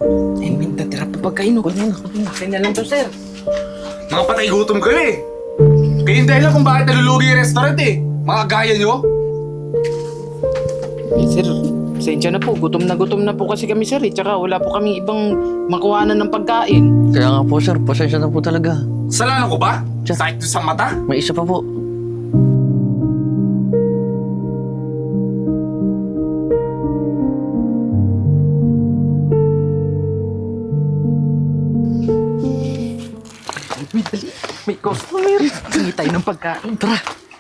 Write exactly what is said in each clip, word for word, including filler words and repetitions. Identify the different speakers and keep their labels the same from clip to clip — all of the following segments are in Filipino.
Speaker 1: Eh, may natira pa pagkain. Kunin na, kunin na. Akin na lang to, sir.
Speaker 2: Mga patay gutom kayo eh. Kayo yung dahilan kung bakit nalulugi yung restaurant eh. Mga gaya nyo.
Speaker 1: Eh, sir, pasensya na po. Gutom na gutom na po kasi kami, sir. Eh. Tsaka wala po kami ibang makuhanan ng pagkain.
Speaker 3: Kaya nga po sir, pasensya na po talaga.
Speaker 2: Kasalanan ko ba?
Speaker 3: Tiyan.
Speaker 2: Sakit ko sa mata?
Speaker 3: May isa pa po.
Speaker 1: May dali. May customer. Hingi tayo ng pagkain. Tara.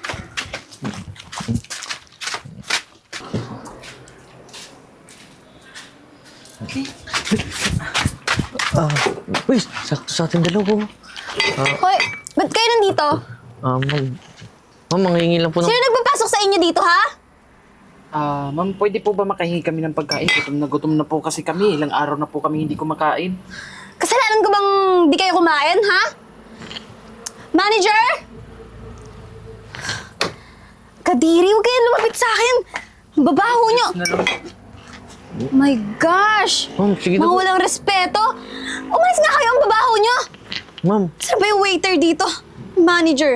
Speaker 1: Okay.
Speaker 3: Ah, uy, sakto sa ating dalawa.
Speaker 4: Hoy, ba't kayo nandito?
Speaker 3: Ah, ma'am. Ma'am, manghingi lang po ng...
Speaker 4: Sino nagpapasok sa inyo dito, ha?
Speaker 1: Ah, ma'am, pwede po ba makahingi kami ng pagkain? Gutom na gutom na po kasi kami. Ilang araw na po kami hindi kumakain.
Speaker 4: Kasalanan ko bang di kayo kumain, ha? Manager? Kadiri, huwag kayo lumapit sa akin. Ang babaho nyo.
Speaker 1: Na lang.
Speaker 4: My gosh!
Speaker 3: Ma'am, sige na
Speaker 4: Mga
Speaker 3: po.
Speaker 4: walang respeto. Umalis nga kayo, ang babaho nyo.
Speaker 3: Ma'am,
Speaker 4: Saan ba yung waiter dito? Manager.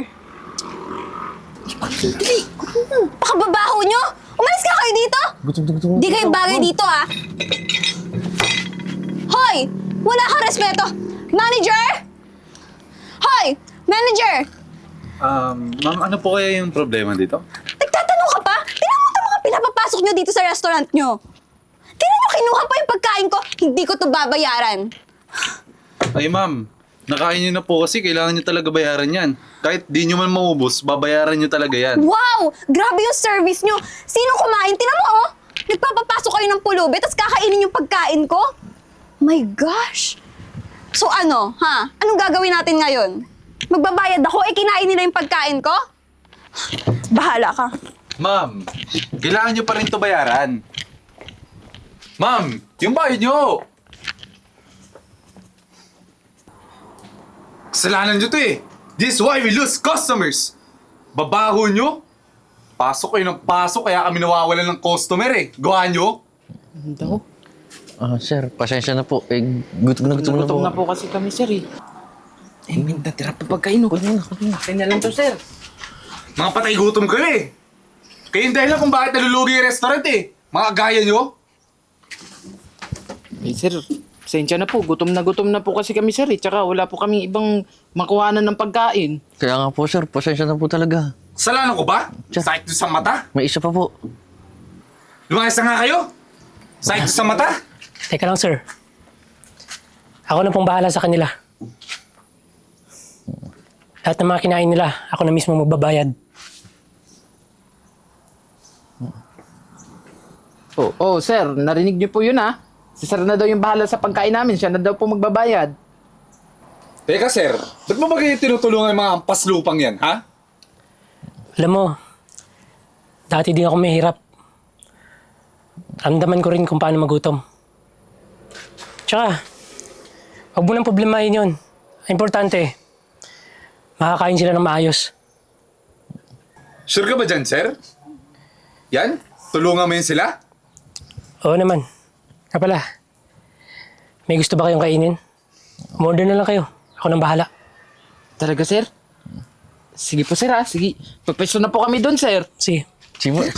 Speaker 4: Dali. Pakababaho nyo. Umalis nga kayo dito.
Speaker 3: gutom na gutom na
Speaker 4: Di
Speaker 3: po
Speaker 4: kayo
Speaker 3: ako,
Speaker 4: bagay
Speaker 3: ma'am.
Speaker 4: dito, ha? Hoy! Wala kang respeto! Manager! Hoy! Manager!
Speaker 5: Um, ma'am, ano po kaya yung problema dito?
Speaker 4: Nagtatanong ka pa? Tingnan mo ito mga pinapapasok nyo dito sa restaurant nyo. Tingnan nyo, kinuha pa yung pagkain ko. Hindi ko to babayaran.
Speaker 5: Ay, ma'am, nakain niyo na po kasi kailangan niyo talaga bayaran yan. Kahit di niyo man maubos, babayaran niyo talaga yan.
Speaker 4: Wow! Grabe yung service nyo. Sino kumain? Tingnan mo, oh. Nagpapapasok kayo ng pulubi, tapos kakainin yung pagkain ko? My gosh! So ano, ha? Anong gagawin natin ngayon? Magbabayad ako, eh kinain nila yung pagkain ko? Bahala ka.
Speaker 5: Ma'am, kailangan niyo pa rin to bayaran. Ma'am, yung bayad niyo!
Speaker 2: Kasalanan nyo to eh. This is why we lose customers. Babaho nyo. Pasok kayo ng pasok kaya kami nawawalan ng customer eh. Gawa nyo.
Speaker 1: Ano daw?
Speaker 3: Ah, sir, pasensya na po. Eh, gutom na gutom na po.
Speaker 1: Gutom na po kasi kami, sir. Eh, eh may natira pa pagkain. Kunin na, kunin na. Akin na lang to, sir.
Speaker 2: Mga patay gutom kayo eh. Kayo yung dahilan kung bakit nalulugi yung restaurant eh. Mga gaya nyo.
Speaker 1: Eh, sir, pasensya na po. Gutom na gutom na po kasi kami, sir. Eh. Tsaka wala po kami ibang makuhanan ng pagkain.
Speaker 3: Kaya nga po sir, pasensya na po talaga.
Speaker 2: Kasalanan ko ba?
Speaker 3: Tiyan.
Speaker 2: Sakit ko sa mata?
Speaker 3: May isa pa po.
Speaker 2: Lumayas na nga kayo. Sakit ko sa mata?
Speaker 6: Teka lang, sir. Ako na pong bahala sa kanila. Lahat ng mga kinain nila, ako na mismo magbabayad.
Speaker 1: Oh, oh, sir, narinig niyo po yun, ha? Si sir na daw yung bahala sa pagkain namin. Siya na daw po magbabayad.
Speaker 2: Teka sir, ba't mo ba kayo tinutulungan yung mga ampas lupang yan, ha?
Speaker 6: Alam mo, dati din ako mahirap. Ramdaman ko rin kung paano magutom. Tsaka, huwag mo nang problemahin yun. Ang importante, makakain sila ng maayos.
Speaker 2: Sure ka ba dyan, sir? Yan? Tulungan mo yun sila?
Speaker 6: Oo naman. Nga pala, may gusto ba kayong kainin? Umorder na lang kayo. Ako nang bahala.
Speaker 1: Talaga, sir? Sige po, sir, ha? Sige. Pagpesto na po kami doon, sir.
Speaker 6: Sige.
Speaker 3: Sige po, sir.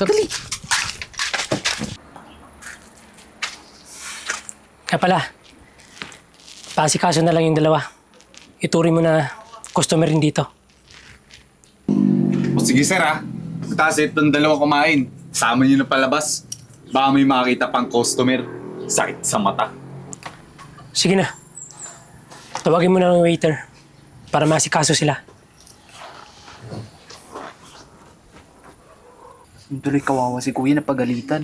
Speaker 6: Nga pala, paasikaso na lang yung dalawa. Ituri mo na customer rin dito.
Speaker 2: O sige sir ha, pagtasit ng dalawa kumain, sama nyo na palabas. Baka may makita pang customer. Sakit sa mata.
Speaker 6: Sige na. Tawagin mo na ng waiter para masikaso sila.
Speaker 1: Tuloy kawawa si kuya na pagalitan.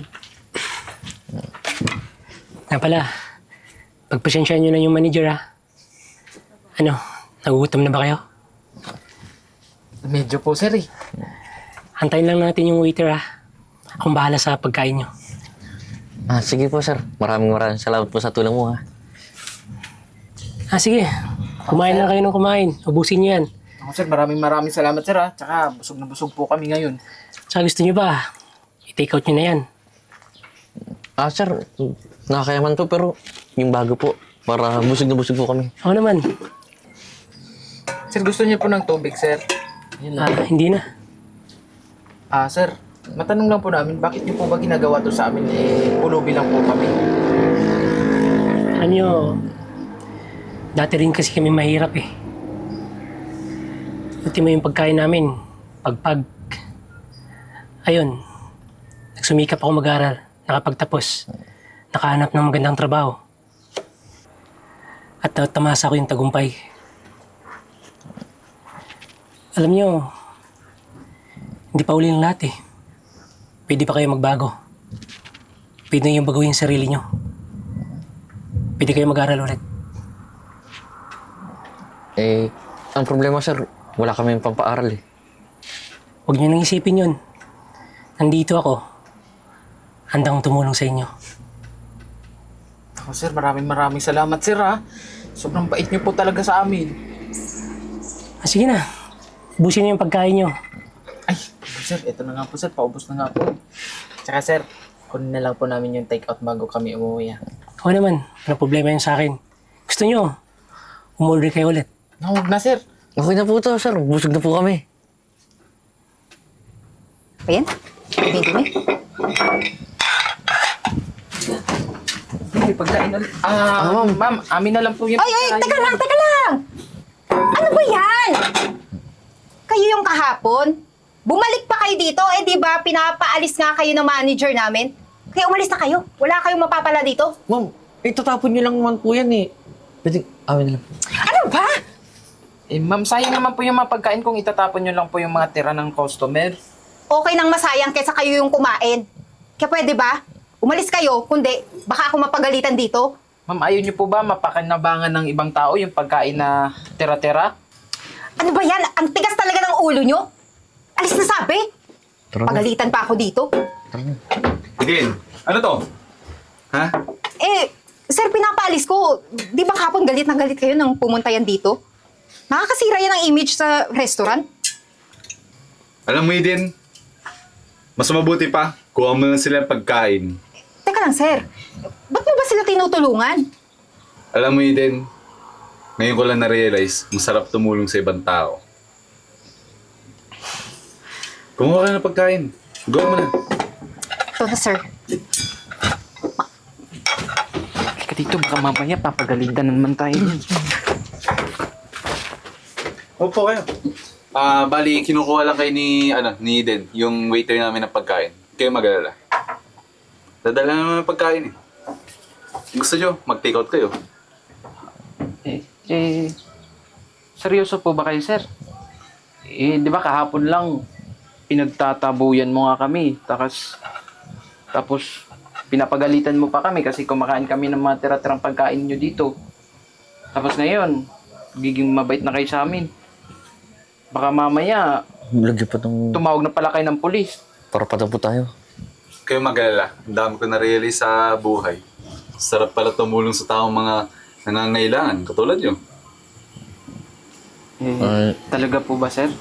Speaker 6: Nga pala, pagpasensyaan nyo na yung manager ha. Ano, nagugutom na ba kayo?
Speaker 1: Medyo po, sir, eh.
Speaker 6: Antayin lang natin yung waiter ha. Akong bahala sa pagkain nyo.
Speaker 3: Ah, sige po sir. Maraming maraming salamat po sa tulong mo ha.
Speaker 6: Ah, sige. Kumain lang kayo ng kumain. Ubusin nyo yan.
Speaker 1: Ako, sir, maraming maraming salamat, sir, ha? Tsaka busog na busog po kami ngayon.
Speaker 6: Tsaka gusto nyo ba, i-take out nyo na yan.
Speaker 3: Ah, sir, nakakayaman po pero yung bago po. Para busog na busog po kami.
Speaker 6: Ako naman.
Speaker 1: Sir, gusto niyo po ng tubig, sir? Yun
Speaker 6: Ah,
Speaker 1: lang.
Speaker 6: hindi na.
Speaker 1: Ah, sir, matanong lang po namin, bakit niyo po ba ginagawa to sa amin? Eh, pulubi lang po kami.
Speaker 6: Alam nyo, dati rin kasi kami mahirap eh. Ultimo yung pagkain namin, pagpag. Ayun, nagsumikap ako mag-aral, nakapagtapos, nakahanap ng magandang trabaho. At uh, tamasa ko yung tagumpay. Alam nyo, hindi pa uli ng lahat eh. Pwede pa kayo magbago. Pwede nyo yung baguhin yung sarili nyo. Pwede kayo mag-aral ulit.
Speaker 3: Eh, ang problema sir, wala kami pampaaral eh.
Speaker 6: Huwag nyo nang isipin yun. Nandito ako. Handang tumulong sa inyo.
Speaker 1: Ako, sir, maraming maraming salamat, sir, ha? Sobrang bait niyo po talaga sa amin.
Speaker 6: Ah, sige na. Ubusin niyo yung pagkain nyo.
Speaker 1: Ay, sir, ito na nga po, sir. Paubos na nga po. Tsaka, sir, kunin na lang po namin yung take-out bago kami umuwi, ha?
Speaker 6: Ako naman, walang problema yun sa akin. Gusto nyo, umorder kayo ulit.
Speaker 1: No, huwag na, sir.
Speaker 3: Okay na po to sir, busog na po kami.
Speaker 4: Ayan, dumi-dumi.
Speaker 1: May pagkain ulit. Ah, ma'am, ma'am, amin na lang po yung
Speaker 4: Ay, ay,
Speaker 1: pagkain.
Speaker 4: teka lang, teka lang! Ano ba yan? Kayo yung kahapon? Bumalik pa kayo dito, eh di ba pinapaalis nga kayo ng manager namin? Kaya umalis na kayo. Wala kayong mapapala dito.
Speaker 3: Ma'am, itatapon niyo lang naman po yan eh. Pwede, amin na lang.
Speaker 4: Ano ba?
Speaker 1: Eh, ma'am, sayang naman po yung mga pagkain kung itatapon nyo lang po yung mga tira ng customer.
Speaker 4: Okay nang masayang kaysa kayo yung kumain. Kaya pwede ba? Umalis kayo, kundi baka ako mapagalitan dito.
Speaker 1: Ma'am, ayaw nyo po ba mapakinabangan ng ibang tao yung pagkain na tira-tira?
Speaker 4: Ano ba yan? Ang tigas talaga ng ulo nyo. Alis na sabi.
Speaker 3: Tara na.
Speaker 4: Pagalitan pa ako dito.
Speaker 2: Eden, ano to? Ha?
Speaker 4: Eh, sir, pinapaalis ko. Di ba kapon galit na galit kayo nang pumunta yan dito? Nakakasira yan ang image sa restaurant.
Speaker 2: Alam mo, Eden, mas mabuti pa, kuha mo na sila ng pagkain.
Speaker 4: Teka lang, sir. Ba't mo ba sila tinutulungan?
Speaker 2: Alam mo, Eden, ngayon ko lang na-realize, masarap tumulong sa ibang tao. Kumuha ka ng pagkain. Go mo na.
Speaker 4: Ito na, sir.
Speaker 1: Halika dito, baka mamaya papagalitan naman tayo yan.
Speaker 5: Opo kayo. Ah, bali, kinukuha lang kayo ni, ano, ni Eden, yung waiter namin ng pagkain. Kayo mag-alala. Dadala naman ng pagkain eh. Gusto nyo, mag-take out kayo.
Speaker 1: Eh, eh, seryoso po ba kayo, sir? Eh, di ba kahapon lang, pinagtatabuyan mo nga kami. Tapos, tapos, pinapagalitan mo pa kami kasi kumakain kami ng mga tira-tirang pagkain nyo dito. Tapos ngayon, giging mabait na kayo sa amin. Baka mamaya,
Speaker 3: Lagyan pa ng...
Speaker 1: tumawag na pala kayo ng pulis.
Speaker 3: Para patapo tayo.
Speaker 2: Kayo mag-alala. Ang dami ko na-realize sa buhay. Sarap pala tumulong sa taong mga nangangailangan, katulad nyo.
Speaker 1: Eh,
Speaker 3: Ay.
Speaker 1: talaga po ba, sir?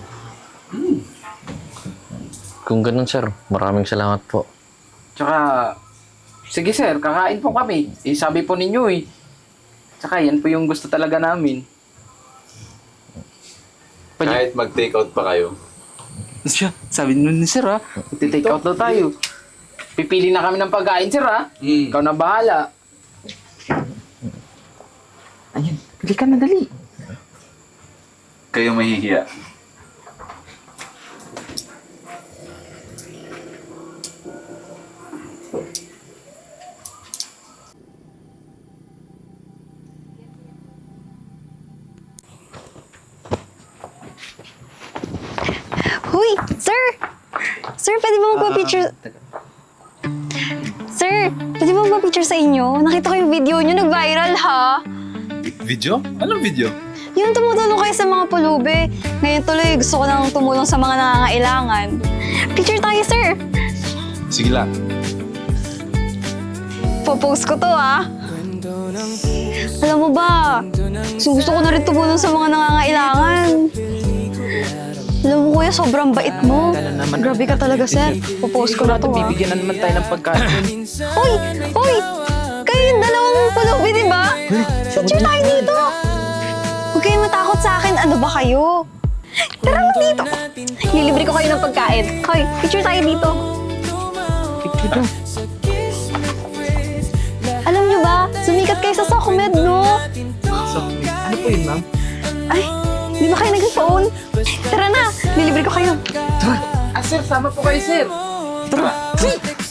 Speaker 3: Kung ganun sir, maraming salamat po.
Speaker 1: Tsaka, sige sir, kakain po kami. Eh, sabi po ninyo eh. Tsaka yan po yung gusto talaga namin. Pwede-
Speaker 2: Kahit mag-take out pa kayo.
Speaker 1: Siya, sabi nun ni sir ha, magti-take out daw tayo. Pipili na kami ng pagkain sir ha.
Speaker 2: Mm.
Speaker 1: Ikaw na bahala. Ayun, pili ka na dali.
Speaker 2: Kayo mahihiya.
Speaker 4: Huy, sir! Sir, pwede ba magpa-picture? Sir, pwede ba magpa-picture sa inyo? Nakita ko yung video nyo, nag-viral ha?
Speaker 5: Video? Anong video?
Speaker 4: Yung tumutulong kayo sa mga pulube. Ngayon tuloy, gusto ko nang tumulong sa mga nangangailangan. Picture tayo, sir!
Speaker 5: Sige lang.
Speaker 4: Popost ko to, ha? Alam mo ba, gusto, gusto ko na rin tumulong sa mga nangangailangan. Alam mo, kuya, sobrang bait mo.
Speaker 1: Dala naman.
Speaker 4: Grabe ka talaga, sir. Popost ko na to, ha?
Speaker 1: Bibigyan na naman tayo ng pagkain.
Speaker 4: Hoy! Hoy! Kayo yung dalawang pulube pulubi, di ba? Picture tayo dito. Huwag kayong matakot sa akin. Ano ba kayo? Tara na dito. Lilibre ko kayo ng pagkain. Hoy, picture tayo dito.
Speaker 1: Picture daw.
Speaker 4: Alam nyo ba, sumikat kayo sa Socomed, no?
Speaker 1: Ano po yun, ma'am?
Speaker 4: Ay, di ba kayo nag-phone? Tara na, lilibre ko kayo.
Speaker 1: Ah, sir, sama po kayo, sir.
Speaker 3: Tara!